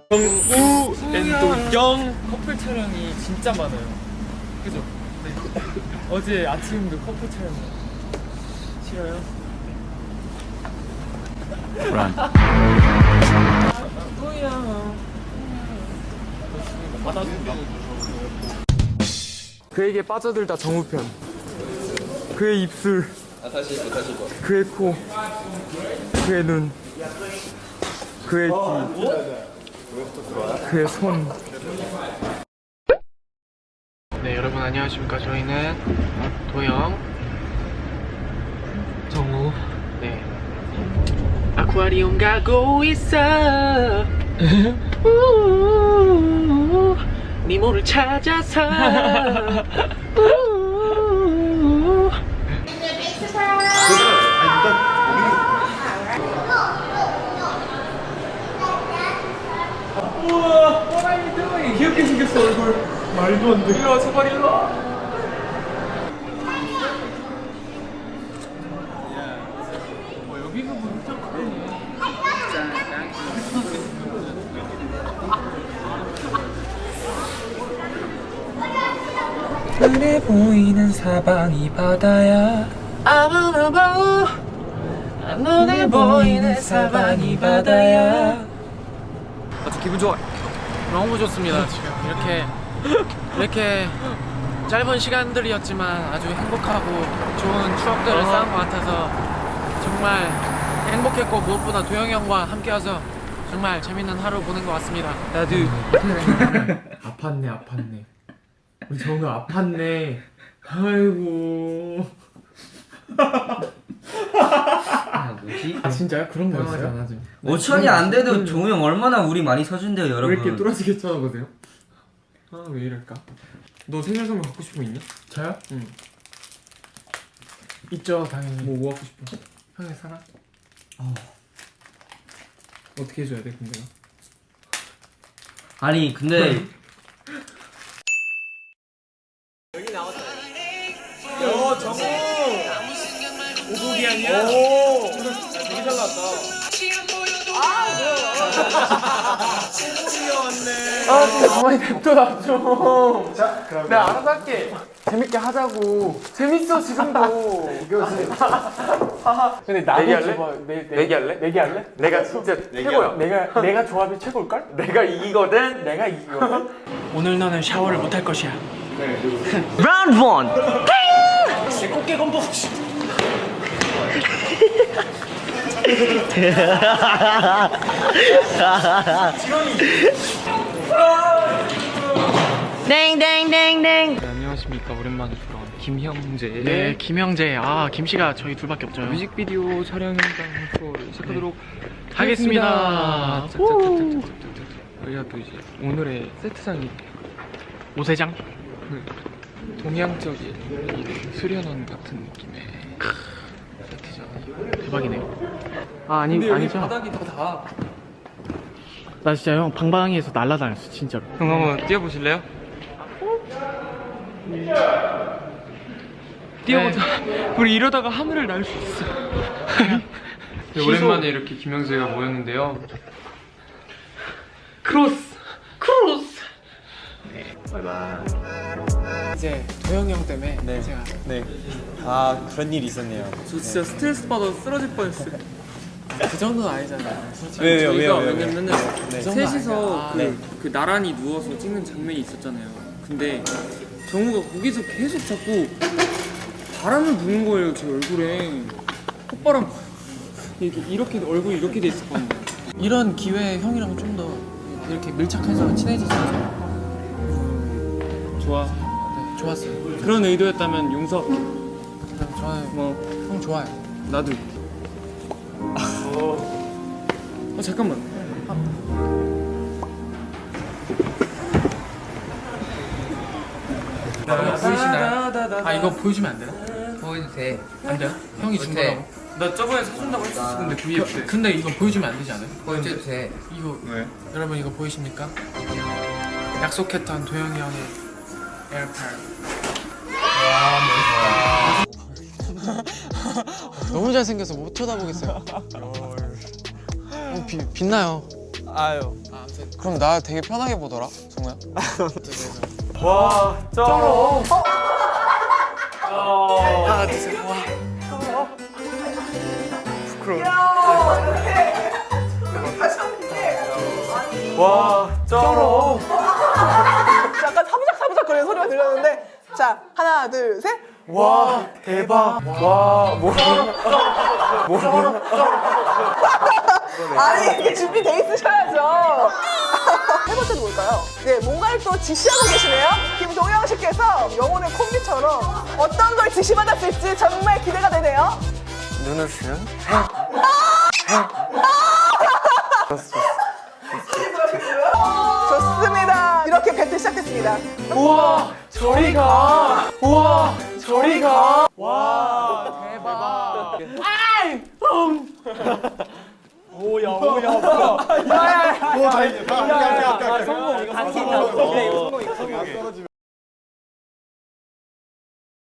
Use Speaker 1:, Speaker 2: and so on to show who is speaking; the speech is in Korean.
Speaker 1: 정우 앤도영
Speaker 2: 커플 촬영이 진짜 많아요. 그죠? 네. 어제 아침도 커플 촬영. 싫어요?
Speaker 1: 란
Speaker 2: 그에게 빠져들다 정우편. 그의 입술, 그의 코, 그의 눈, 그의 귀, 그의 손.
Speaker 3: 네, 여러분 안녕하십니까. 저희는 도영, 정우, 네, 아쿠아리움 가고 있어. 우우우우, 니모를 찾아서. 우우우우.
Speaker 2: 우와, what are you doing? 귀엽게 생겼어 얼굴. 말도 안 돼. 일로 와, 제발 일로 와. 여기가 뭐 엄청 크네. 눈에 보이는 사방이 바다야.
Speaker 3: 아무나 봐, 눈에 보이는 사방이 바다야.
Speaker 2: 아주 기분 좋아.
Speaker 3: 너무 좋습니다. 지금 이렇게 짧은 시간들이었지만 아주 행복하고 좋은 추억들을 쌓은 것 같아서 정말 행복했고, 무엇보다 도영이 형과 함께와서 정말 재밌는 하루 보낸 것 같습니다.
Speaker 2: 나도 아팠네. 우리 정우 아팠네. 아이고.
Speaker 4: 뭐지?
Speaker 2: 아 진짜요? 그런 거였어요?
Speaker 4: 5천이 안 돼도 종우 형 얼마나 우리 많이 서준대요,
Speaker 2: 왜
Speaker 4: 여러분.
Speaker 2: 이렇게 뚜렷하게 쳐다보세요? 아 왜 이럴까? 너 생일 선물 갖고 싶은 거 있냐? 저요? 응. 있죠 당연히. 뭐 갖고 싶어? 형의 사랑? 어떻게 해줘야 돼 근데?
Speaker 4: 아니 근데
Speaker 2: 정우! 오복이 아니야? 오! 되게 잘 나왔다. 아, 좀 가만히 냅둬라 좀. 자, 그럼 내가 알아서 할게. 재밌게 하자고. 재밌어 지금도. 근데 나도
Speaker 1: 내기할래?
Speaker 2: 좋아.
Speaker 1: 내기할래?
Speaker 2: 내기할래?
Speaker 1: 내가 진짜 최고야.
Speaker 2: 내가 조합이 최고일걸?
Speaker 1: 내가 이기거든.
Speaker 2: 내가 이기거든.
Speaker 3: 오늘 너는 샤워를 못할 것이야.
Speaker 4: 라운드 1.
Speaker 3: 내 꽃게 건복.
Speaker 4: 땡땡땡땡.
Speaker 3: 네, 안녕하십니까. 오랜만에 돌아온 김형재. 네, 김형재. 아, 김씨가 저희 둘밖에 없죠.
Speaker 2: 뮤직비디오 촬영 현장 투어를 시작하도록
Speaker 3: 하겠습니다.
Speaker 2: 저희가 또 이제 오늘의 세트장이
Speaker 3: 오세장.
Speaker 2: 동양적인 이 수련원 같은 느낌의 세트장.
Speaker 3: 대박이네요. 아,
Speaker 2: 근데 여기
Speaker 3: 아니죠.
Speaker 2: 바닥이 다
Speaker 3: 나 진짜 형 방방이에서 날아다녔어, 진짜로.
Speaker 2: 형 한번 뛰어보실래요? 뛰어보자. 우리 이러다가 하늘을 날 수 있어. 네, 오랜만에 이렇게 김영재가 모였는데요. 크로스. 네. 바이바이. 이제 도영이 형 때문에 제가
Speaker 1: 아 그런 일이 있었네요.
Speaker 2: 저 진짜 스트레스 받아서 쓰러질 뻔했어요. 그 정도는 아니잖아요.
Speaker 1: 왜요?
Speaker 2: 왜냐면은 셋이서 그 나란히 누워서 찍는 장면이 있었잖아요. 근데 정우가 거기서 계속 자꾸 바람을 부는 거예요, 제 얼굴에. 콧바람 이렇게 얼굴이 이렇게 돼 있었거든요. 이런 기회에 형이랑 좀 더 이렇게 밀착해서 친해지자. 좋아. 네, 좋았어요. 그런 의도였다면 용서할게. 저는 형 좋아요. 나도. 잠깐만.
Speaker 3: 보이시나요? 아, 이거 보여주면 안 되나?
Speaker 4: 보여도 돼.
Speaker 3: 안 돼요? 형이 준 거라고?
Speaker 2: 나 저번에 사준다고 했었어. 근데 VF 때.
Speaker 3: 근데 이거 보여주면 안 되지 않아요?
Speaker 4: 보여도 돼.
Speaker 3: 이거
Speaker 1: 왜?
Speaker 3: 여러분 이거 보이십니까? 약속했던 도영이 형의 에어팟. 너무 잘생겨서 못 쳐다보겠어요. 빛나요.
Speaker 5: 아유.
Speaker 3: 그럼 나 되게 편하게 보더라, 정우야.
Speaker 1: 와, 쩔어.
Speaker 3: 하나, 둘, 셋. 와.
Speaker 1: 와, 쩔어.
Speaker 5: 약간 사부작사부작 거리는 소리가 들렸는데 자 하나 둘 셋.
Speaker 1: 와, 대박. 와, 뭐.
Speaker 5: 아니 이게 준비돼 있으셔야죠. 세 번째는 뭘까요? 네 뭔가를 또 지시하고 계시네요. 김동영 씨께서 영혼의 콤비처럼 어떤 걸 지시받았을지 정말 기대가 되네요.
Speaker 1: 눈을 쓰면?
Speaker 5: 좋습니다. 이렇게 배틀 시작됐습니다.
Speaker 1: 우와, 저리 가. 우와, 저리 가.
Speaker 5: 자